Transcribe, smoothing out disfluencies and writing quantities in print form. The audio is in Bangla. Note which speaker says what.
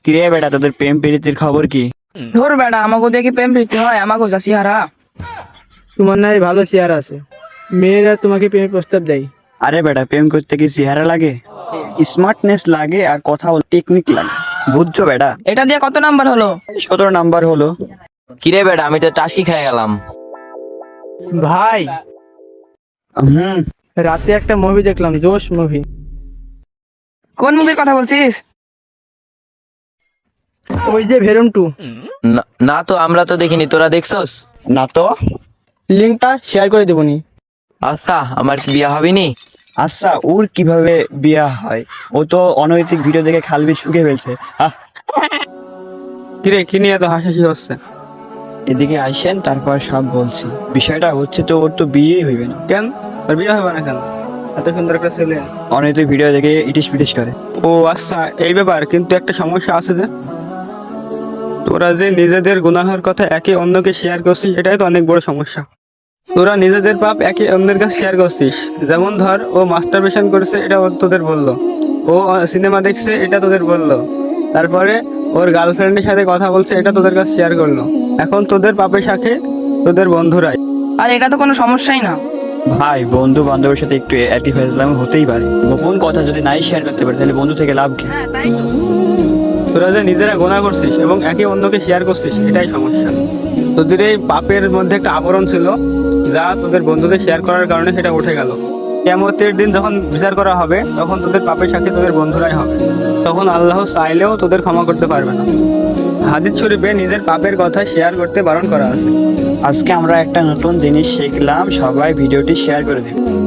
Speaker 1: কিরে বেটা, তোদের প্রেম প্রীতির খবর কি?
Speaker 2: ধর বেড়া, আমাকে দেখি প্রেম প্রীতি হয়? আমাকে যাচ্ছি হারা।
Speaker 3: তোমার নাই ভালো চেয়ার আছে, মেয়েরা তোমাকে প্রেমের প্রস্তাব দেয়।
Speaker 1: আরে বেটা, প্রেম করতে কি চেহারা লাগে? স্মার্টনেস লাগে আর কথা বল টেকনিক লাগে, বুঝছো বেটা?
Speaker 2: এটা দিয়ে কত নাম্বার হলো?
Speaker 1: 17 নাম্বার হলো।
Speaker 4: কিরে বেটা, আমি তো টাস্কি খেয়ে গেলাম।
Speaker 3: ভাই,
Speaker 1: হুম।
Speaker 3: রাতে একটা মুভি দেখলাম, জোশ মুভি।
Speaker 2: কোন মুভির কথা বলছিস?
Speaker 3: ওই যে ভেরম 2।
Speaker 4: না তো, আমরা তো দেখিনি, তোরা দেখছস?
Speaker 1: না তো।
Speaker 3: লিঙ্কটা শেয়ার করে দেবনি।
Speaker 4: আচ্ছা, আমার কি বিয়া হবিনি?
Speaker 1: আচ্ছা, ওর কিভাবে বিয়া হয়? ও তো অনৈতিক ভিডিও দেখে খালবি শুকে ফেলছে।
Speaker 3: কিরে, কি নিয়ে এত হাসাহাসি হচ্ছে?
Speaker 1: এদিকে আইসেন, তারপর সব বলছি। বিষয়টা হচ্ছে তো, ওর তো বিয়েই হইবে না।
Speaker 3: কেন তোর বিয়ে হবে না কেন? এত সুন্দর একটা ছেলে।
Speaker 1: অনৈতিক ভিডিও দেখে ইটিস পিটিস করে।
Speaker 3: ও আচ্ছা, এই ব্যাপার। কিন্তু একটা সমস্যা আছে যে, তোরা যে নিজেদের গুনাহের কথা একে অন্যকে শেয়ার করছিস, এটাই তো অনেক বড় সমস্যা। তোরা নিজেদের পাপ একে অন্যের কাছে শেয়ার করছিস। যেমন ধর, ও মাস্টারবেশন করেছে, এটা তোদের বললো। ও সিনেমা দেখছে, এটা তোদের বললো। তারপরে ওর গার্লফ্রেন্ডের সাথে কথা বলছে, এটা তোদের কাছে শেয়ার করলো। এখন তোদের পাপের সাথে তোদের বন্ধুরাই।
Speaker 2: আর এটা তো কোনো সমস্যাই না।
Speaker 1: ভাই, বন্ধু বান্ধবের সাথে একটু একই ফেসলাম হতেই পারে। গোপন কথা যদি নাই শেয়ার করতে পারে, তাহলে বন্ধু থেকে লাভ কি?
Speaker 2: হ্যাঁ, তাই তো।
Speaker 3: তোরা যে নিজেরা গোনা করছিস এবং একে অন্যকে শেয়ার করছিস, এটাই সমস্যা। তোদের এই পাপের মধ্যে একটা আবরণ ছিল, যা তোদের বন্ধুদের শেয়ার করার কারণে সেটা উঠে গেল। কিয়ামতের দিন যখন বিচার করা হবে, তখন তোদের পাপের সাথে তোদের বন্ধুরাই হবে। তখন আল্লাহ চাইলেও তোদের ক্ষমা করতে পারবে না। হাদিস শরীফে নিজের পাপের কথা শেয়ার করতে বারণ করা আছে।
Speaker 1: আজকে আমরা একটা নতুন জিনিস শিখলাম, সবাই ভিডিওটি শেয়ার করে দিন।